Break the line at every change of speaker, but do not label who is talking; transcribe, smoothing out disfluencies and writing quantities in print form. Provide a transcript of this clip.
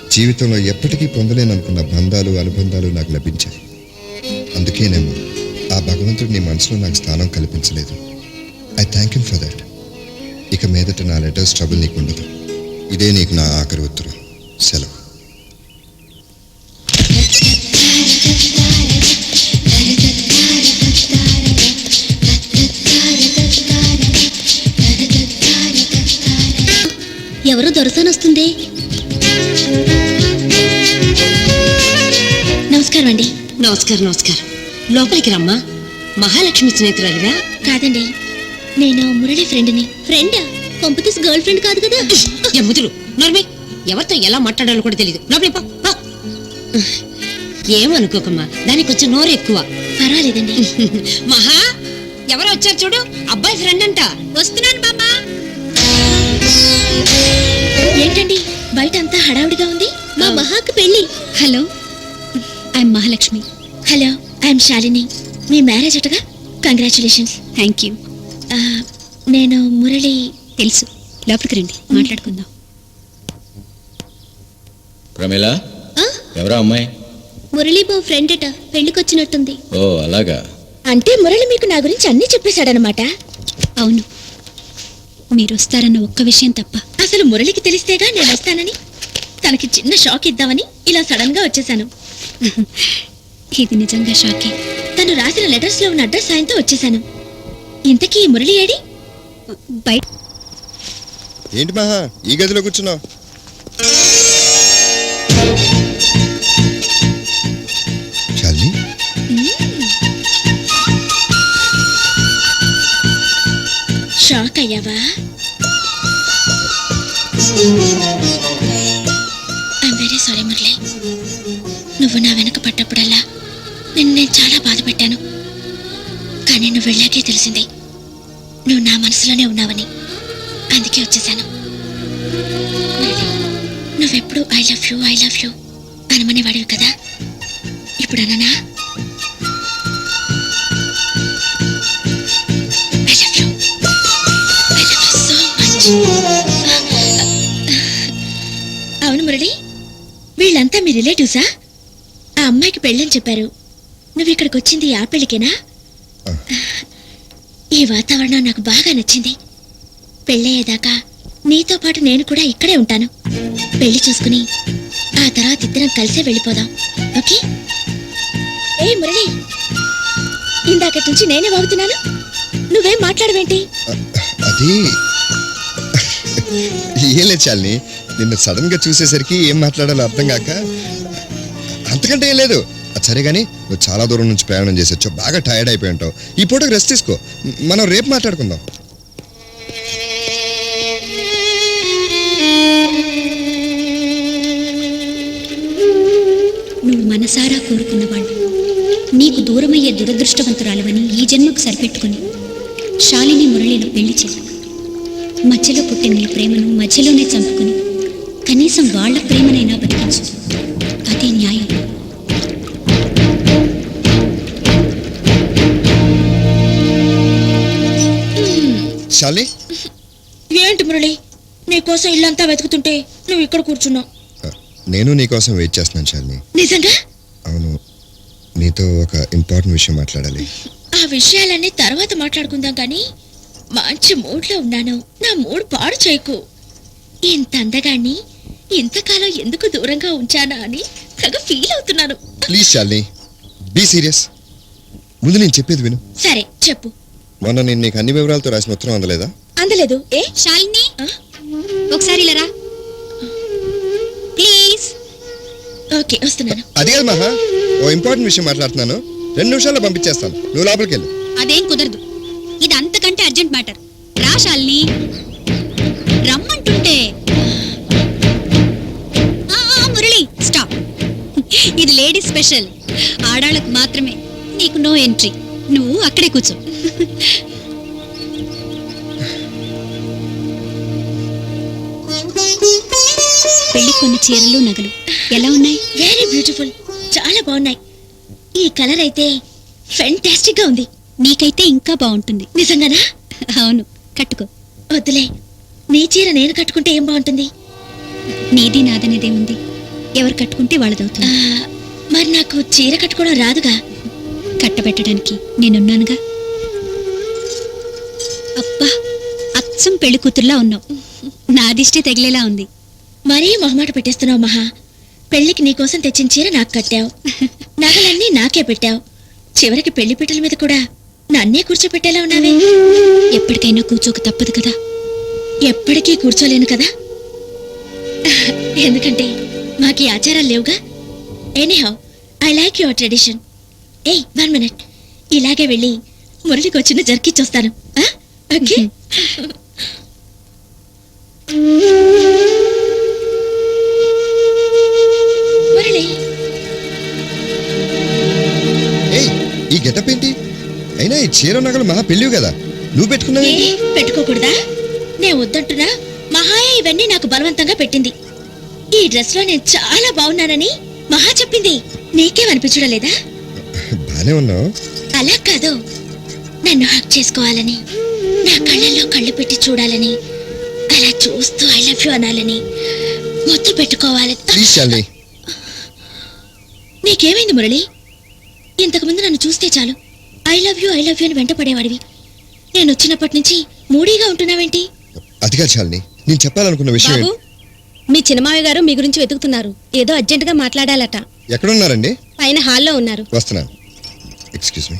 జీవితంలో ఎప్పటికీ పొందలేననుకున్న బంధాలు అనుబంధాలు నాకు లభించాయి. అందుకేనేమో ఆ భగవంతుడు నీ మనసులో నాకు స్థానం కల్పించలేదు. I thank you for that. ఇక మీదట నా లెటర్స్ ట్రబుల్ నీకు ఉండదు. ఇదే నీకు నా ఆఖరి ఉత్తరం. సెలవు.
ఎవరో దొరసానొస్తుంది. నమస్కారం అండి.
నమస్కారం. నమస్కారం. లోపలికి రమ్మా. మహాలక్ష్మి స్నేహితురాలివా?
కాదండి, నేను మురళి ఫ్రెండ్ని. ఫ్రెండ్ కొంపతీస్ గర్ల్ ఫ్రెండ్ కాదు కదా.
ఎమ్ముదురు నర్మి, ఎవరితో ఎలా మాట్లాడాలో కూడా తెలియదు. లోపలి ఏమనుకోకమ్మా, దానికి కొంచెం నోరు ఎక్కువ.
పర్వాలేదండి.
మహా, ఎవరో వచ్చారు చూడు, అబ్బాయి ఫ్రెండ్ అంట.
వస్తున్నాను బాబా. ఏంటండి బయట అంతా హడావుడిగా ఉంది? మా మహాకి పెళ్లి.
Hello, I'm Mahalakshmi.
Hello, I'm Shalini. మీ మ్యారేజ్ అటగా? కంగ్రాచులేషన్స్.
Thank you.
నేను మురళి.
తెలుసు, లోపలికి రండి, మాట్లాడుకుందాం.
ప్రమీల, ఎవరా అమ్మాయి?
మురళి బో ఫ్రెండ్ అట, పెళ్లికొచ్చినట్టుంది.
ఓ అలాగా.
అంటే మురళి మీకు నా గురించి అన్నీ చెప్పేశాడనమాట.
అవును, మీరు వస్తారన్న ఒక్క విషయం తప్ప.
అసలు మురళికి తెలిస్తేగా నేను వస్తానని. తనకి చిన్న షాక్ ఇద్దామని ఇలా సడన్ గా వచ్చేసాను.
ఇది నిజంగా షాకే.
తను రాసిన లెటర్స్ లో ఉన్న అడ్రస్ సాయంతో వచ్చేసాను. ఇంతకీ మురళి ఏడి?
బయట.
ఏంటి మహా ఈ గదిలో కూర్చున్నావు? శాలిని,
షాక్ అయ్యావా? I'm very sorry Murali. నువ్వు నా వెనక పడ్డప్పుడల్లా నేను చాలా బాధ పెట్టాను. కానీ నువ్వు వెళ్ళాకే తెలిసింది నువ్వు నా మనసులోనే ఉన్నావని. అందుకే వచ్చేసాను. నువ్వెప్పుడు ఐ లవ్ యూ అనమనేవాడివి కదా, ఇప్పుడు అననా? అవును మురళి, వీళ్ళంతా మీ రిలేటివ్సా? ఆ అమ్మాయికి పెళ్ళని చెప్పారు. నువ్వు ఇక్కడికి వచ్చింది ఆ పెళ్ళికేనా? ఈ వాతావరణం నాకు బాగా నచ్చింది. పెళ్ళయ్యేదాకా నీతో పాటు నేను కూడా ఇక్కడే ఉంటాను. పెళ్లి చూసుకుని ఆ తర్వాత ఇద్దరం కలిసే వెళ్ళిపోదాం. ఓకే? ఏ మురళి, ఇందాకటి నుంచి నేనే వాగుతున్నాను, నువ్వేం మాట్లాడవేంటి?
అది ఏం లేదు శాలిని, నిన్ను సడన్ గా చూసేసరికి ఏం మాట్లాడాలో అర్థం కాక. అంతకంటే ఏం లేదు. అది సరే కానీ నువ్వు చాలా దూరం నుంచి ప్రయాణం చేసి వచ్చావు, బాగా టైర్డ్ అయిపోయి ఉంటావు. ఈ పూటకు రెస్ట్ తీసుకో, మనం రేపు మాట్లాడుకుందాం.
నువ్వు మనసారా కోరుకున్నవాళ్ళు నీకు దూరమయ్యే దురదృష్టవంతురాలవని ఈ జన్మకు సరిపెట్టుకుని శాలిని మురళిలో పెళ్లి చేశాను. మధ్యలో పుట్టిన నీ ప్రేమను మధ్యలోనే చంపుకుని కనీసం వాళ్ళ ప్రేమనైనా బతికించు. అదే న్యాయం.
శాలిని,
ఏంటి మురళి, నీకోసం ఇల్లంతా వెతుకుతుంటే నువ్వు ఇక్కడ కూర్చున్నావు.
నేను నీకోసం వెయిట్ చేస్తున్నాను శాలిని.
నిజంగా?
అవును, నీతో ఒక ఇంపార్టెంట్ విషయం మాట్లాడాలి.
ఆ విషయాలన్నీ తర్వాత మాట్లాడుకుందాం కానీ మంచి మూడ్లో ఉన్నాను. నా మూడ్ పాడు చేయకు. ఇంత అందగాన్ని ఇంతకాలం ఎందుకు దూరంగా ఉంచానా అని తెగ ఫీల్ అవుతున్నాను.
Please Shalini, be serious. ముందు నేను చెప్పేది విను.
సరే చెప్పు.
మొన్న నేను నీకు అన్ని వివరాలతో రాసిన ఉత్తరం అందలేదా?
అందలేదు. ఏ
శాలిని, ఒకసారి ఇలా రా ప్లీజ్.
ఓకే, వస్తున్నాను.
అది కాదు మహా, ఓ ఇంపార్టెంట్ విషయం మాట్లాడుతున్నాను. 2 నిమిషాల్లో పంపించేస్తాను, నువ్వు లోపలికి వెళ్ళు.
అదేం కుదరదు, ఇది అంతకంటే అర్జెంట్ మ్యాటర్. రా శాలిని, రమ్మంటుంటే. మురళి స్టాప్. ఇది లేడీస్ స్పెషల్, ఆడాళ్ళకు మాత్రమే. నీకు నో ఎంట్రీ. నువ్వు అక్కడే కూర్చో. పెళ్లి కొన్ని చీరలు నగలు ఎలా ఉన్నాయి?
వెరీ బ్యూటిఫుల్, చాలా బాగున్నాయి. ఈ కలర్ అయితే ఫెంటాస్టిక్ గా ఉంది.
నీకైతే ఇంకా బాగుంటుంది.
నిజంగానా?
అవును, కట్టుకో.
వద్దులే, నీ చీర నేను కట్టుకుంటే ఏం బాగుంటుంది?
నీది నాదనేదే ఉంది. ఎవరు కట్టుకుంటే వాళ్ళదవుతుంది.
మరి నాకు చీర కట్టుకోవడం రాదుగా.
కట్టబెట్టడానికి నేనున్నానుగా. అబ్బా, అచ్చం పెళ్లి కూతుర్లా ఉన్నావు. నా దిష్టి తగిలేలా ఉంది.
మరీ మొహమాట పెట్టేస్తున్నావు మహా. పెళ్లికి నీకోసం తెచ్చిన చీర నాకు కట్టావు, నగలన్నీ నాకే పెట్టావు, చివరికి పెళ్లి పీటల మీద కూడా నన్నే కూర్చోపెట్టేలా ఉన్నావే.
ఎప్పటికైనా కూర్చోక తప్పదు కదా.
ఎప్పటికీ కూర్చోలేను కదా, ఎందుకంటే మాకు ఈ ఆచారాలు లేవుగా. Anyhow, I like your tradition. ఏయ్ 1 minute, ఇలాగే వెళ్ళి మురళికి వచ్చిన జర్కిచ్చొస్తాను. ఓకే. మురళి,
ఏయ్, ఈ గెటప్ ఏంటి? అయినా ఈ చీర నగలు మహా పెళ్ళివి కదా, నువ్వు పెట్టుకున్నావు.
ఏ పెట్టుకోకూడదా? నేను వద్దంటున్నా, మహాయ ఇవన్నీ నాకు బలవంతంగా పెట్టింది. ఈ డ్రెస్ లో నేను చాలా బాగున్నానని మహా చెప్పింది. నీకేమనిపించడం లేదా?
బానే ఉన్నావు.
అలా కాదు, నన్ను హక్ చేసుకోవాలని, నా కళ్ళల్లో కళ్ళు పెట్టి చూడాలని, అలా చూస్తూ ఐ లవ్ యు అనాలని, ముద్దు పెట్టుకోవాలని.
ప్లీజ్ శాలిని.
నీకేమైంది మురళి? ఇంతకుముందు నన్ను చూస్తే చాలు ఐ లవ్ యు అని వెంట పడేవాడివి. నేను వచ్చినప్పటి నుంచి మూడీగా ఉంటున్నావేంటి?
అదిగా శాలిని, నేను చెప్పాలనుకున్న విషయం
బాబు, మీ చిన్నమావి గారు మీ గురించి వెతుకుతున్నారు. ఏదో అర్జెంటుగా మాట్లాడాలట.
ఎక్కడున్నారండి?
పైన హాల్లో ఉన్నారు.
వస్తున్నాను. ఎక్స్క్యూజ్ మీ.